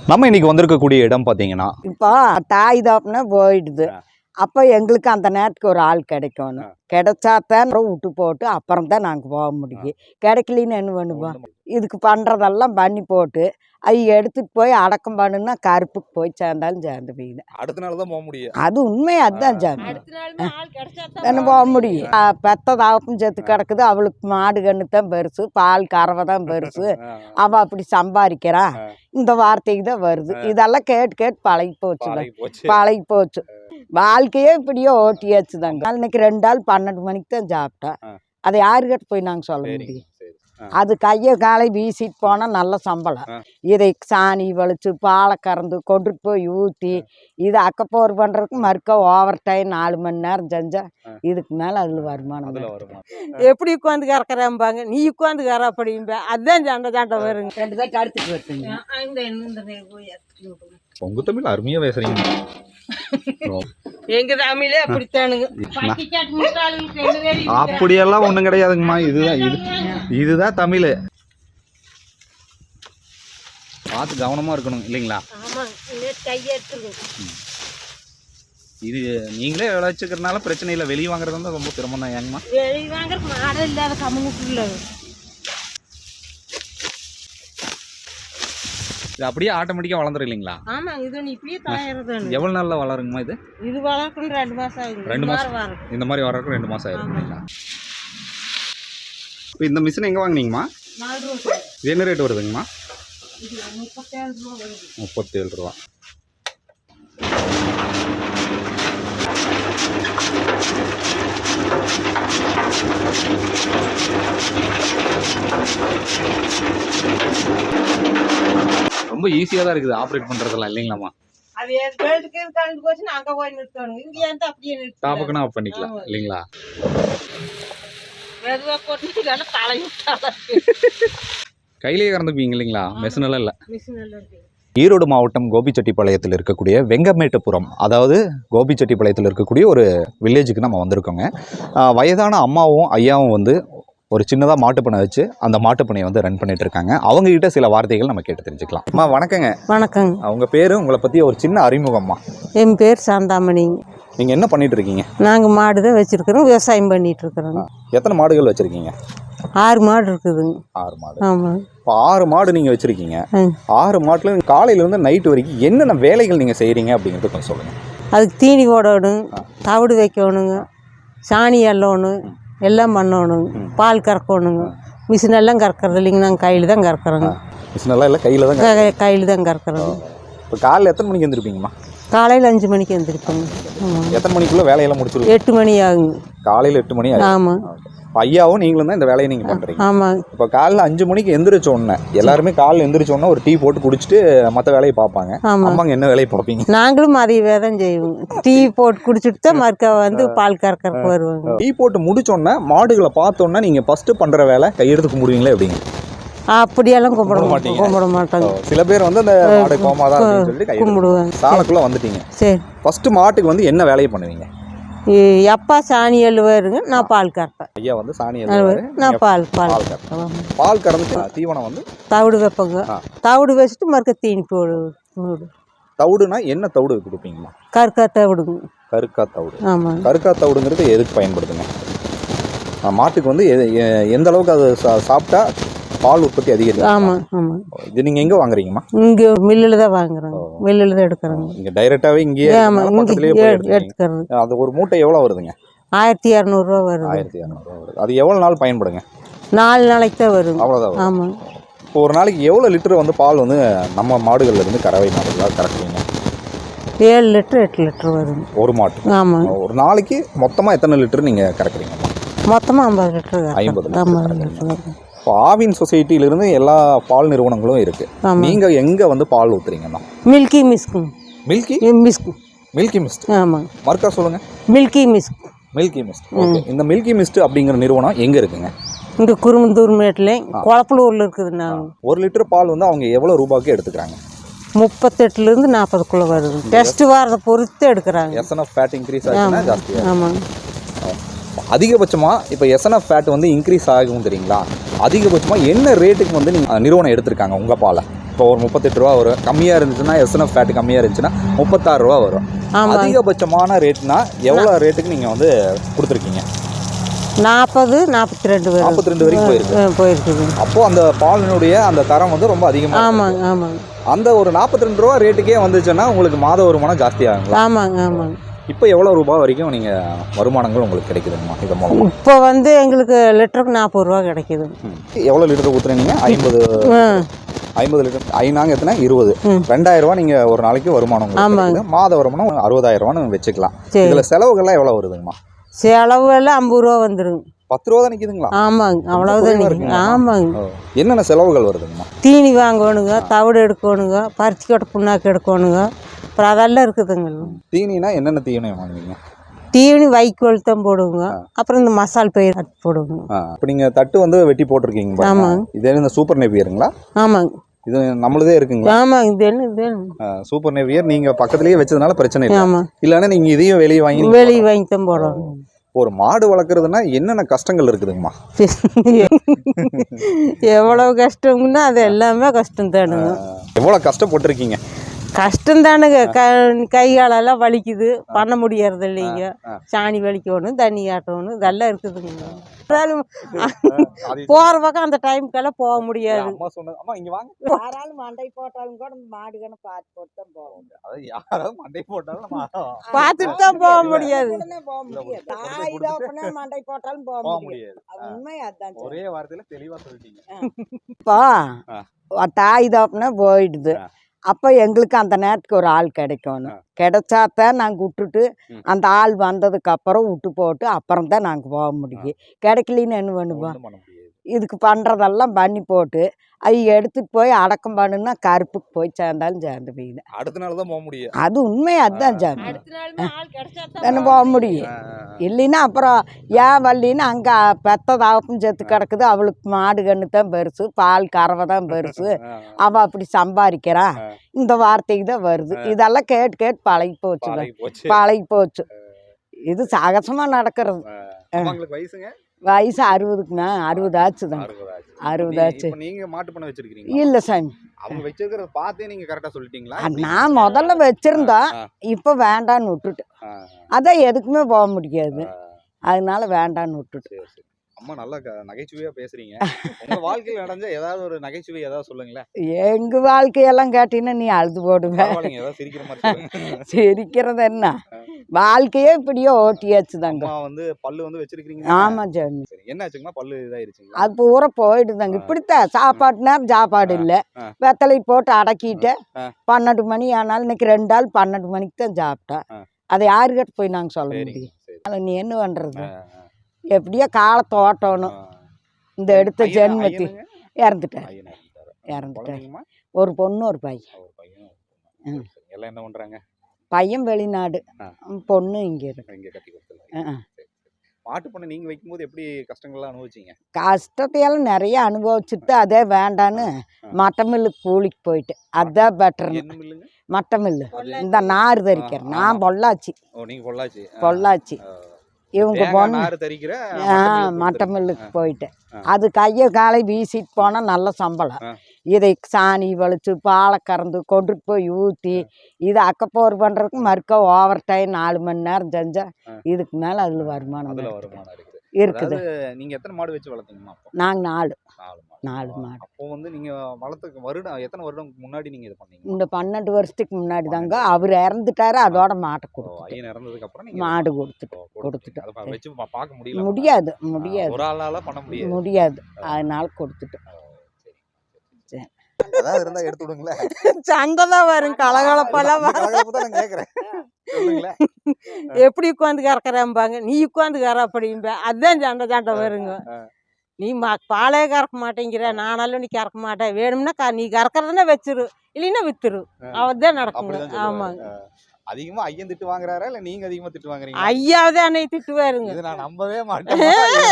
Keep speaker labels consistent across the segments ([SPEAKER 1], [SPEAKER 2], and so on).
[SPEAKER 1] நம்ம இன்னைக்கு வந்திருக்கக்கூடிய இடம் பார்த்தீங்கன்னா,
[SPEAKER 2] இப்போ தாய் தாப்புனா போயிடுது. அப்போ எங்களுக்கு அந்த நேரத்துக்கு ஒரு ஆள் கிடைக்கணும். கிடைச்சாத்தான் விட்டு போட்டு அப்புறம் தான் நாங்கள் போக முடியும். கிடைக்கலின்னு என்ன பண்ணுவோம்? இதுக்கு பண்ணுறதெல்லாம் பண்ணி போட்டு எடுத்துட்டு போய் அடக்கம் பண்ணுன்னா கருப்புக்கு போய் சேர்ந்தாலும் சேர்ந்து போயிடு.
[SPEAKER 1] அடுத்த நாள் தான் போக முடியும்.
[SPEAKER 2] அது உண்மை, அதுதான் சேர்ந்து என்ன போக முடியும். பெத்த தாப்பும் செத்து கிடக்குது. அவளுக்கு மாடு கன்று தான் பெருசு, பால் கறவை தான் பெருசு. அவள் அப்படி சம்பாதிக்கிறான். இந்த வார்த்தைக்கு தான் வருது. இதெல்லாம் கேட்டு கேட்டு பழகி போச்சு. வாழ்க்கையே இப்படியோ ஓட்டியாச்சு தாங்க. அன்னைக்கு 2 ஆள் 12 மணிக்கு தான் சாப்பிட்டேன். அதை யாருக்கிட்ட போய் நாங்கள் சொல்ல முடியும்? அது கையை காலை வீசிட்டு போனால் நல்ல சம்பளம். இதை சாணி வலிச்சு பாலை கறந்து கொண்டுட்டு போய் ஊற்றி இதை அக்கப்போர் பண்ணுறதுக்கு மறுக்க ஓவர் டைம் 4 மணி நேரம் செஞ்சால் இதுக்கு மேலே அதில் வருமானம்.
[SPEAKER 3] எப்படி உட்காந்து கறக்குறாம்பாங்க, நீ உட்காந்து கற அப்படிம்ப. அதுதான் சண்டை வருங்க.
[SPEAKER 2] 2 பேர் அடுத்துட்டு வருதுங்க.
[SPEAKER 1] உங்க தமிழ் அருமையாக பேசுறீங்க.
[SPEAKER 3] எங்க தமிழே அப்படித்தானுங்க.
[SPEAKER 1] அப்படியெல்லாம் ஒன்றும் கிடையாதுங்கம்மா. இதுதான் தமிழ். பார்த்து கவனமா இருக்கணும் இல்லைங்களா? இது நீங்களே விளைச்சிக்கிறதுனால பிரச்சனை இல்லை. வெளியே வாங்குறது வந்து ரொம்ப சிரமம் தான். ஏங்கம்மா
[SPEAKER 3] வெளியே வாங்குற மாடல் இல்லாத கம்முக்குள்ள
[SPEAKER 1] இது அப்படியே ஆட்டோமேட்டிக்காக வளர்ந்துரும் இல்லைங்களா?
[SPEAKER 3] ஆமாங்க. இது இப்படியே தயாரிறது.
[SPEAKER 1] எவ்வளோ நாளில் வளருங்கம்மா இது?
[SPEAKER 3] இது வளர்க்கணும் 2 மாதம் ஆகுது.
[SPEAKER 1] 2 மாதம் இந்த மாதிரி வளர்க்க 2 மாதம் ஆயிரும் இல்லைங்களா? இப்போ இந்த மிஷின் எங்கே வாங்கினீங்கம்மா?
[SPEAKER 3] 4 ரூபா.
[SPEAKER 1] இது என்ன ரேட் வருதுங்கம்மா?
[SPEAKER 3] இது 37 ரூபா வருது.
[SPEAKER 1] 37 ரூபா. ரொம்ப ஈஸியாக தான் இருக்குது ஆப்ரேட் பண்ணுறதெல்லாம் இல்லைங்களாம்மா?
[SPEAKER 3] அது பெல்ட்டுக்கு கலந்து போச்சுன்னா அங்கே போய் நிறுத்தணும். இங்கே வந்து அப்படியே நிறுத்தணும்.
[SPEAKER 1] டாப்புக்குன்னா ஆஃப் பண்ணிக்கலாம் இல்லைங்களா?
[SPEAKER 3] மெதுவாக போட்டு தலையும்
[SPEAKER 1] கையிலேயே கறந்துப்பீங்க இல்லைங்களா? மிஷின் எல்லாம் இல்லை.
[SPEAKER 3] மிஷின் எல்லாம் இருக்கு.
[SPEAKER 1] ஈரோடு மாவட்டம் கோபிச்செட்டிப்பாளையத்தில் இருக்கக்கூடிய வெங்கமேட்டுப்புரம், அதாவது கோபிச்செட்டிப்பாளையத்தில் இருக்கக்கூடிய ஒரு வில்லேஜுக்கு நம்ம வந்திருக்கோங்க. வயதான அம்மாவும் ஐயாவும் வந்து ஒரு சின்னதாக மாட்டுப்பண்ணை வச்சு அந்த மாட்டுப்பண்ணையை வந்து ரன் பண்ணிட்டு இருக்காங்க. அவங்ககிட்ட சில வார்த்தைகள் நம்ம கேட்டு தெரிஞ்சுக்கலாம். அம்மா வணக்கங்க.
[SPEAKER 3] வணக்கங்க.
[SPEAKER 1] அவங்க பேர், உங்களை பற்றி ஒரு சின்ன அறிமுகம்மா.
[SPEAKER 3] என் பேர் சாந்தாமணி.
[SPEAKER 1] நீங்கள் என்ன பண்ணிட்டு இருக்கீங்க?
[SPEAKER 3] நாங்கள் மாடு தான் வச்சுருக்கிறோம், விவசாயம் பண்ணிட்டு இருக்கிறோங்க.
[SPEAKER 1] எத்தனை மாடுகள் வச்சுருக்கீங்க?
[SPEAKER 3] 6 மாடு இருக்குதுங்க.
[SPEAKER 1] 6 மாடு.
[SPEAKER 3] ஆமாம்.
[SPEAKER 1] இப்போ 6 மாடு நீங்கள் வச்சுருக்கீங்க. 6 மாட்டில் காலையிலேருந்து நைட்டு வரைக்கும் என்னென்ன வேலைகள் நீங்கள் செய்கிறீங்க அப்படிங்கிறது கொஞ்சம் சொல்லுங்கள்.
[SPEAKER 3] அதுக்கு தீனி போடணும், தவிடு வைக்கணுங்க, சாணி அள்ளணும், எல்லாம் பண்ணணுங்க, பால் கறக்கணுங்க. மிஷின் எல்லாம் கறக்கிறது இல்லைங்க, நாங்கள் கையில் தான் கறக்குறோங்க.
[SPEAKER 1] மிஷினெல்லாம் இல்லை, கையில் தான்
[SPEAKER 3] கையில் தான் கறக்குறோங்க.
[SPEAKER 1] இப்போ காலையில் எத்தனை மணிக்கு எழுந்திருப்பீங்கம்மா?
[SPEAKER 3] காலையில் 5 மணிக்கு எழுந்திருப்போங்க.
[SPEAKER 1] எத்தனை மணிக்குள்ளே வேலையெல்லாம் முடிச்சிருக்கோம்?
[SPEAKER 3] 8 மணி ஆகுங்க.
[SPEAKER 1] காலையில் 8 மணி ஆகும்.
[SPEAKER 3] ஆமாம்.
[SPEAKER 1] ஐயாவும் நீங்களும் தான் இந்த வேலையை நீங்கள் பண்ணுறீங்க.
[SPEAKER 3] ஆமாம்.
[SPEAKER 1] இப்போ காலையில் 5 மணிக்கு எந்திரிச்சோடனே எல்லாருமே காலையில் எந்திரிச்சோடனே ஒரு டீ போட்டு குடிச்சிட்டு மற்ற வேலையை பார்ப்பாங்க. அம்மாங்க என்ன வேலையை பார்ப்பீங்க?
[SPEAKER 3] நாங்களும் மதிய வேதம் செய்வோம். டீ போட்டு குடிச்சிட்டு தான் மறுக்க வந்து பால் கறக்கறக்கு வருவாங்க.
[SPEAKER 1] டீ போட்டு முடிச்சோடனே மாடுகளை பார்த்தோன்னே நீங்கள் ஃபஸ்ட்டு பண்ணுற வேலை கையெடுத்து கும்பிடுவீங்களே எப்படிங்க?
[SPEAKER 3] அப்படியெல்லாம் கும்பிட மாட்டாங்க.
[SPEAKER 1] சில பேர் வந்து அந்த மாடு கோமாதான் சொல்லிட்டு கும்பிடுவாங்க. சாலைக்குள்ளே வந்துட்டீங்க. சரி, ஃபஸ்ட்டு மாட்டுக்கு வந்து என்ன வேலையை பண்ணுவீங்க?
[SPEAKER 3] எப்பா சாணி எழுவாருங்க, நான் பால் கறப்பேன்.
[SPEAKER 1] ஐயா வந்து சாணி எழுவாரு,
[SPEAKER 3] நான் பால்
[SPEAKER 1] பால் கறந்து தீவனம் வந்து
[SPEAKER 3] தவிடு வைப்பங்க. தவிடு வச்சுட்டு மறுக்க தீனி போடு.
[SPEAKER 1] தவிடுனா என்ன தவிடு கொடுப்பீங்களா?
[SPEAKER 3] கருக்கா தவிடுங்க. கருக்கா
[SPEAKER 1] தவிடு. ஆமாம். கருக்கா தவிடுங்கிறது எதுக்கு பயன்படுத்துங்க? மாட்டுக்கு வந்து எந்த அளவுக்கு அது சாப்பிட்டா பால் உற்பத்தி அதிகம்? ஆமாம் ஆமாம். இது நீங்கள் எங்கே வாங்குறீங்கம்மா? இங்கே
[SPEAKER 3] மில்லில் தான் வாங்குறோம், மில்லில் தான் எடுக்கிறோங்க.
[SPEAKER 1] இங்கே டைரெக்டாகவே இங்கேயே
[SPEAKER 3] எடுத்துக்கிறது.
[SPEAKER 1] அது ஒரு மூட்டை எவ்வளோ வருதுங்க?
[SPEAKER 3] 1200 ரூபா வருது.
[SPEAKER 1] 1200 ரூபா வருது. அது எவ்வளோ நாள் பயன்படுங்க?
[SPEAKER 3] 4 நாளைக்கு தான் வருங்க.
[SPEAKER 1] அவ்வளோதான்.
[SPEAKER 3] ஆமாம்.
[SPEAKER 1] இப்போ ஒரு நாளைக்கு எவ்வளோ லிட்டர் வந்து பால் வந்து நம்ம மாடுகள்ல இருந்து கறவை மாடுகளாக கறக்குறீங்க?
[SPEAKER 3] 7 லிட்டர் 8 லிட்டர் வருங்க
[SPEAKER 1] ஒரு மாட்டு.
[SPEAKER 3] ஆமாம்.
[SPEAKER 1] ஒரு நாளைக்கு மொத்தமாக எத்தனை லிட்டர் நீங்கள் கறக்குறீங்க?
[SPEAKER 3] மொத்தமாக 50 லிட்டர்.
[SPEAKER 1] 50 லிட்டர். இப்போ ஆவின் சொசைட்டியிலிருந்து எல்லா பால் நிறுவனங்களும் இருக்குது. நீங்கள் எங்கே வந்து பால் ஊற்றுறீங்கண்ணா?
[SPEAKER 3] மில்கி மிஸ்க்கு.
[SPEAKER 1] மில்கி
[SPEAKER 3] மிஸ்க்கு.
[SPEAKER 1] Milky mist.
[SPEAKER 3] ஆமாம்.
[SPEAKER 1] மறுக்கா சொல்லுங்கள்.
[SPEAKER 3] Milky mist.
[SPEAKER 1] Milky mist. Okay. இந்த மில்கி மிஸ்ட் அப்படிங்கிற நிறுவனம் எங்கே இருக்குங்க?
[SPEAKER 3] இங்கே குருமந்தூர் மேட்டில் குளப்பலூரில் இருக்குது. நாங்கள்
[SPEAKER 1] 1 லிட்டர் பால் வந்து அவங்க எவ்வளோ ரூபாய்க்கு எடுத்துக்கிறாங்க?
[SPEAKER 3] 38லேருந்து 40க்குள்ளே வருது. டெஸ்ட் வரதை பொறுத்து எடுக்கிறாங்க.
[SPEAKER 1] எஸ்என்எஃப் ஃபேட் இன்க்ரீஸ் ஆகுதுன்னா ஜாஸ்தியாக.
[SPEAKER 3] ஆமாம்.
[SPEAKER 1] அதிகபட்சமாக இப்போ எஸ்என்எஃப் ஃபேட் வந்து இன்க்ரீஸ் ஆகும் தெரியுங்களா? அதிகபட்சமாக என்ன ரேட்டுக்கு வந்து நீங்கள் நிறுவனம் எடுத்திருக்காங்க உங்கள் பாலை? இப்போ ஒரு 38 ரூபா வரும். கம்மியாக இருந்துச்சுன்னா எஸ்என்எஃப் ஃபேட் கம்மியாக இருந்துச்சுன்னா 36 ரூபா வரும்.
[SPEAKER 3] ஆமாம்.
[SPEAKER 1] அதிகபட்சமான ரேட்னா எவ்வளோ ரேட்டுக்கு நீங்கள் வந்து கொடுத்துருக்கீங்க?
[SPEAKER 3] 40, 42 வரும்.
[SPEAKER 1] 42 வரைக்கும் போயிருக்கு.
[SPEAKER 3] போயிருக்குது.
[SPEAKER 1] அப்போது அந்த பாலினுடைய அந்த தரம் வந்து ரொம்ப அதிகமாக.
[SPEAKER 3] ஆமாங்க ஆமாங்க.
[SPEAKER 1] அந்த ஒரு 42 ரூபா ரேட்டுக்கே வந்துச்சுன்னா உங்களுக்கு மாத வருமானம் ஜாஸ்தியாகுங்களா?
[SPEAKER 3] ஆமாங்க ஆமாங்க.
[SPEAKER 1] இப்போ எவ்வளோ ரூபாய் வரைக்கும் நீங்கள் வருமானங்கள் உங்களுக்கு கிடைக்குதுங்கம்மா இது மூலமாக?
[SPEAKER 3] இப்போ வந்து எங்களுக்கு லிட்டருக்கு 40 ரூபா கிடைக்குது.
[SPEAKER 1] எவ்வளோ லிட்டர் ஊற்றுறீங்க? 50 லிட்டர். ஐநாங்க எத்தனை? 20. 2000 ரூபா நீங்கள் ஒரு நாளைக்கு வருமானம் உங்களுக்கு கிடைக்குது. மாத வருமானம் 60,000 ரூபான்னு வச்சுக்கலாம். இதில் செலவுகள்லாம் எவ்வளோ வருதுங்கம்மா?
[SPEAKER 3] செலவு எல்லாம் 50 ரூபா வந்துடுங்க.
[SPEAKER 1] 10 ரூபா தான் நிற்குதுங்களா?
[SPEAKER 3] ஆமாங்க, அவ்வளோதான். ஆமாங்க.
[SPEAKER 1] என்னென்ன செலவுகள் வருதுங்கம்மா?
[SPEAKER 3] தீனி வாங்கணுங்க, தவிடு எடுக்கணுங்க, பருத்தி கொட்டை புண்ணாக்கு எடுக்கணுங்க, அப்புறம் அதெல்லாம் இருக்குதுங்க.
[SPEAKER 1] தீனினா என்னென்ன தீவனை வாங்குவீங்க?
[SPEAKER 3] தீனி வைக்கோல் தான் போடுவோங்க, அப்புறம் இந்த மசால் பயிர் போடுவோங்க.
[SPEAKER 1] இப்போ நீங்கள் தட்டு வந்து வெட்டி போட்டிருக்கீங்க.
[SPEAKER 3] ஆமாங்க.
[SPEAKER 1] இதே இந்த சூப்பர் நேவியருங்களா?
[SPEAKER 3] ஆமாங்க.
[SPEAKER 1] இது நம்மளதே இருக்குங்களா?
[SPEAKER 3] ஆமாங்க. இது என்ன
[SPEAKER 1] சூப்பர் நேவியர் நீங்கள் பக்கத்துலேயே வச்சதுனால பிரச்சனை இல்லை.
[SPEAKER 3] ஆமாம்.
[SPEAKER 1] இல்லைன்னா நீங்கள் இதையும் வெளியே
[SPEAKER 3] வாங்கி தான் போடுவோம்.
[SPEAKER 1] ஒரு மாடு வளர்க்குறதுனா என்னென்ன கஷ்டங்கள் இருக்குதுங்கம்மா?
[SPEAKER 3] எவ்வளவு கஷ்டம்னா அது எல்லாமே கஷ்டம் தானுங்க.
[SPEAKER 1] எவ்வளோ கஷ்டப்பட்டுருக்கீங்க?
[SPEAKER 3] கஷ்டம் தானுங்க. கை காலெல்லாம் வலிக்குது, பண்ண முடியறது இல்லைங்க. சாணி வலிக்கணும், தண்ணி ஆட்டணும், இதெல்லாம் இருக்குதுங்க. போகிற பக்கம் அந்த டைமுக்கெல்லாம் போக முடியாது.
[SPEAKER 1] அம்மா சொன்னது அம்மா இங்கே வாங்க.
[SPEAKER 2] யாராலும் மண்டை போட்டாலும் கூட மாடுகன்னு பார்த்து போட்டு தான் போவோம்.
[SPEAKER 1] அதாவது யாராவது மண்டை போட்டாலும்
[SPEAKER 3] பார்த்துட்டு தான் போக முடியாது.
[SPEAKER 2] போக முடியாது. தாய் தகப்பனே மண்டை போட்டாலும் போக முடியாது. உண்மை அதான்.
[SPEAKER 1] ஒரே வார்த்தையில் தெளிவாக சொல்லிட்டீங்க.
[SPEAKER 2] இப்போ தாய் தகப்பனே போயிடுது. அப்போ எங்களுக்கு அந்த நேரத்துக்கு ஒரு ஆள் கிடைக்கணும். கிடைச்சாத்தான் நாங்கள் விட்டுட்டு அந்த ஆள் வந்ததுக்கு அப்புறம் விட்டு போட்டு அப்புறம் தான் நாங்கள் போக முடியும். கிடைக்கலின்னு என்ன பண்ணுவோம்? இதுக்கு பண்ணுறதெல்லாம் பண்ணி போட்டு அது எடுத்துகிட்டு போய் அடக்கம் பண்ணுன்னா கருப்புக்கு போய் சேர்ந்தாலும் சேர்ந்து போயிடுது.
[SPEAKER 1] அடுத்த நாள் தான் போக முடியும்.
[SPEAKER 2] அது உண்மை, அதுதான் சேர்ந்து என்ன போக முடியும். இல்லைன்னா அப்புறம் ஏன் வள்ளின்னு அங்கே பெத்த தாப்பும் செத்து கிடக்குது. அவளுக்கு மாடு கன்று தான் பெருசு, பால் கறவை தான் பெருசு, அவள் அப்படி சம்பாதிக்கிறான், இந்த வார்த்தைக்கு தான் வருது. இதெல்லாம் கேட்டு கேட்டு பழகி போச்சு. இது சகஜமாக நடக்கிறது. வயசு 60க்குண்ணா. 60 ஆச்சு தான். 60 ஆச்சு.
[SPEAKER 1] நீங்க மாட்டு பண்ண வச்சிருக்கீங்க? இல்ல சாமி, அவங்க வச்சிருக்கிறத பார்த்தே நீங்க கரெக்டா சொல்லிட்டீங்களா? நான்
[SPEAKER 2] முதல்ல வச்சிருந்தேன், இப்போ வேண்டான்னு விட்டுட்டு. அதான் எதுக்குமே போக முடியாது, அதனால வேண்டான்னு விட்டுட்டு.
[SPEAKER 1] அம்மா நல்லா நகைச்சுவையா பேசுறீங்க. உங்க வாழ்க்கையில் நடந்த ஏதாவது ஒரு நகைச்சுவை ஏதாவது சொல்லுங்களேன்.
[SPEAKER 2] எங்க வாழ்க்கையெல்லாம் கேட்டீங்கன்னா நீ அழுது போடுவேன்.
[SPEAKER 1] சிரிக்கிற மாதிரி.
[SPEAKER 2] சிரிக்கிறது என்ன, வாழ்க்கையே இப்படியோ ஓட்டியாச்சு தாங்க.
[SPEAKER 1] வந்து பல்லு வந்து வச்சிருக்கீங்க?
[SPEAKER 2] ஆமா சாமி.
[SPEAKER 1] என்ன ஆச்சுங்களா? பல்லு இதாயிருச்சுங்களா?
[SPEAKER 2] அது பூரா போயிடுதாங்க. இப்படித்தான் சாப்பாட்டு நேரம் சாப்பாடு இல்லை, வெத்தலை போட்டு அடக்கிட்டு 12 மணி ஆனாலும் இன்னைக்கு 2 ஆள் 12 மணிக்கு தான் சாப்பிட்டேன். அதை யாருக்கிட்ட போய் நாங்கள் சொல்ல முடியும்? அதில் நீ என்ன பண்ணுறது? எப்படியோ காலத்தை ஓட்டணும். இந்த எடுத்த ஜென்மத்தி இறந்துட்டார். ஒரு பொண்ணு ஒரு பையன்.
[SPEAKER 1] எல்லாம் என்ன பண்றாங்க?
[SPEAKER 2] பையன் வெளிநாடு, பொண்ணு இங்கே இருக்கு.
[SPEAKER 1] மாட்டு பண்ணை நீங்க வைக்கும்போது எப்படி கஷ்டங்கள்லாம் அனுபவிச்சீங்க?
[SPEAKER 2] கஷ்டத்தையெல்லாம் நிறைய அனுபவிச்சுட்டு அதே வேண்டான்னு மட்ட மில்லுக்கு கூலிக்கு போயிட்டு. அதுதான் பெட்டர். மட்ட மில்லு இந்த நார் தரிக்கிறேன். நான் பொள்ளாச்சி. பொள்ளாச்சி. இவங்க பொண்ணு மட்ட மில்லுக்கு போயிட்டு அது கையை காலை வீசிட்டு போனால் நல்ல சம்பளம். இதை சாணி வலிச்சு பாலை கறந்து கொண்டுட்டு போய் ஊற்றி இதை அக்கப்போர் பண்ணுறதுக்கு மறுக்க ஓவர் டைம் 4 மணி நேரம் செஞ்சால் இதுக்கு மேலே அதில் வருமானம் இருக்குது.
[SPEAKER 1] நீங்கள் எத்தனை மாடு வச்சு வளர்த்தீங்கம்மா?
[SPEAKER 2] நாங்கள் 4 மாடு.
[SPEAKER 1] அப்போ வந்து நீங்கள் வளர்த்துக்கு வருடம் எத்தனை வருடம் முன்னாடி நீங்கள் இது பண்ணீங்க?
[SPEAKER 2] இந்த 12 வருஷத்துக்கு முன்னாடி தாங்க. அவர் இறந்துட்டாரு, அதோட மாட்டை கொடுத்து
[SPEAKER 1] இறந்ததுக்கு அப்புறம்
[SPEAKER 2] மாடு கொடுத்துட்டு
[SPEAKER 1] வச்சு பார்க்க
[SPEAKER 2] முடியாது.
[SPEAKER 1] ஒரு ஆளால பண்ண
[SPEAKER 2] முடியாது, அதனால கொடுத்துட்டோம்.
[SPEAKER 1] ஏதாவது இருந்தா எடுத்து விடுங்களேன்.
[SPEAKER 3] சண்டை தான் வரும், கலகலப்பெல்லாம்
[SPEAKER 1] கேட்குறேன்.
[SPEAKER 3] எப்படி உட்காந்து கறக்குறேன்பாங்க, நீ உட்காந்து கற அப்படின்ப. அதுதான் சண்டை வருங்க. நீ பாலே கறக்க மாட்டேங்கிற, நானாலும் நீ கறக்க மாட்டேன், வேணும்னா நீ கறக்கிறதுனா வச்சிரு, இல்லைன்னா வித்துரு. அவர்தான் நடக்குங்க. ஆமாங்க.
[SPEAKER 1] அதிகமா ஐயன் திட்டு வாங்குறாரா இல்ல நீங்க அதிகமா திட்டு வாங்குறீங்க?
[SPEAKER 3] ஐயாவது அன்னை திட்டுவாருங்க.
[SPEAKER 1] இது நான் நம்பவே மாட்டேன்.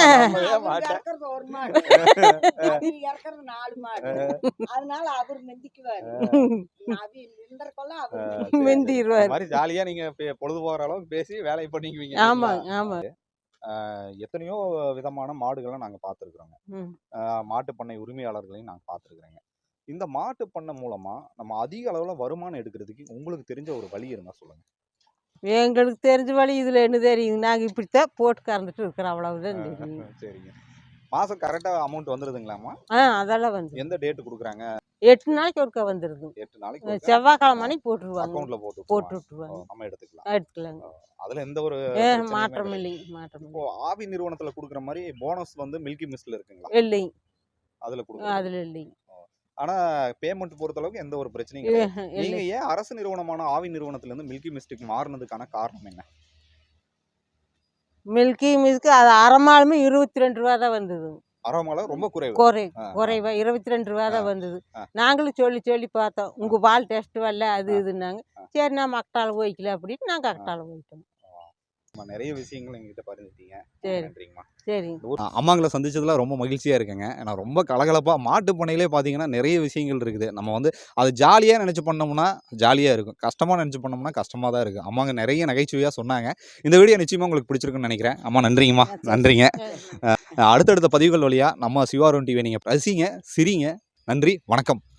[SPEAKER 1] ஜாலியா நீங்க பொழுது போகிற அளவுக்கு பேசி வேலையை பண்ணிக்குவீங்க.
[SPEAKER 3] ஆமாங்க ஆமா.
[SPEAKER 1] எத்தனையோ விதமான மாடுகளை நாங்க பார்த்துருக்குறோங்க. மாட்டு பண்ணை உரிமையாளர்களையும் நாங்க பார்த்துருக்குறேங்க. இந்த மாட்டு பண்ணை மூலமா நம்ம அதிக அளவுல வருமானம் எடுக்கிறதுக்கு உங்களுக்கு தெரிஞ்ச ஒரு வழி இருந்தா சொல்லுங்க.
[SPEAKER 3] எங்களுக்கு தெரிஞ்ச வழி இதில் என்ன தெரியுங்க, நாங்கள் இப்படித்தான் போட்டு கறந்துட்டு இருக்கிறோம், அவ்வளவுதான் தெரியும்.
[SPEAKER 1] சரிங்க. மாசம் கரெக்டா அமௌண்ட் வந்துருதுங்களாமா?
[SPEAKER 3] அதெல்லாம் வந்து
[SPEAKER 1] எந்த டேட் கொடுக்குறாங்க?
[SPEAKER 3] 8 நாளைக்கு ஒருக்கா வந்துருது.
[SPEAKER 1] 8 நாளைக்கு ஒருக்கா
[SPEAKER 3] செவ்வாய்க்கிழமை அன்னைக்கு போட்டுருவாங்க.
[SPEAKER 1] அக்கவுண்ட்ல
[SPEAKER 3] போட்டு
[SPEAKER 1] போட்டு
[SPEAKER 3] விட்டுருவாங்க.
[SPEAKER 1] நம்ம எடுத்துக்கலாம்.
[SPEAKER 3] எடுத்துக்கலாங்க.
[SPEAKER 1] அதுல எந்த ஒரு பிரச்சனையுமே
[SPEAKER 3] மாற்றம்
[SPEAKER 1] கிடையாது.
[SPEAKER 3] இல்லைங்க, மாற்றம்
[SPEAKER 1] இப்போ
[SPEAKER 3] இல்லை.
[SPEAKER 1] ஆவி நிறுவனத்துல கொடுக்குற மாதிரி போனஸ் வந்து மில்கி மிஸ்ட்ல இருக்குங்களா?
[SPEAKER 3] இல்லைங்க,
[SPEAKER 1] அதுல கொடுக்குறது.
[SPEAKER 3] அதில் இல்லைங்க.
[SPEAKER 1] ஆனா பேமெண்ட் பொறுத்த அளவுக்கு எந்த ஒரு பிரச்சனையும் கிடையாது. நீங்க
[SPEAKER 3] இல்லை,
[SPEAKER 1] ஏன் அரசு நிறுவனமான ஆவி நிறுவனத்துல இருந்து மில்கி மிஸ்டுக்கு மாறினதுக்கான காரணம் என்ன?
[SPEAKER 3] மில்கி மிஸ்க்கு அது அரை மாலுமே 22 ரூபா தான் வந்தது.
[SPEAKER 1] அரோமால ரொம்ப குறைவு.
[SPEAKER 3] குறைவா 22 ரூபா தான் வந்தது.
[SPEAKER 1] ஆ.
[SPEAKER 3] நாங்களும் சொல்லி சொல்லி பார்த்தோம், உங்க பால் டெஸ்ட் வரல அது இதுன்னாங்க. சரி நான் அக்கட்டால போய்க்கல அப்படின்னு நாங்கள் அக்கட்டால போயிட்டோம்.
[SPEAKER 1] நிறைய விஷயங்கள் எங்ககிட்ட பகிர்ந்துட்டீங்க.
[SPEAKER 3] சரி.
[SPEAKER 1] நன்றிங்கம்மா.
[SPEAKER 3] சரிங்க.
[SPEAKER 1] அம்மாங்களை சந்திச்சதுல ரொம்ப மகிழ்ச்சியா இருக்குங்க. ஏன்னா ரொம்ப கலகலப்பா மாட்டு பண்ணையிலே பார்த்தீங்கன்னா நிறைய விஷயங்கள் இருக்குது. நம்ம வந்து அது ஜாலியா நினைச்சு பண்ணோம்னா ஜாலியா இருக்கும். கஷ்டமா நினைச்சு பண்ணோம்னா கஷ்டமா தான் இருக்கு. அம்மாங்க நிறைய நகைச்சுவையா சொன்னாங்க. இந்த வீடியோ நிச்சயமா உங்களுக்கு பிடிச்சிருக்குன்னு நினைக்கிறேன். அம்மா நன்றிங்கம்மா. நன்றிங்க. அடுத்தடுத்த பதிவுகள் வழியா நம்ம சிவாருன் டிவி நீங்க ரசிங்க, சிரிங்க. நன்றி, வணக்கம்.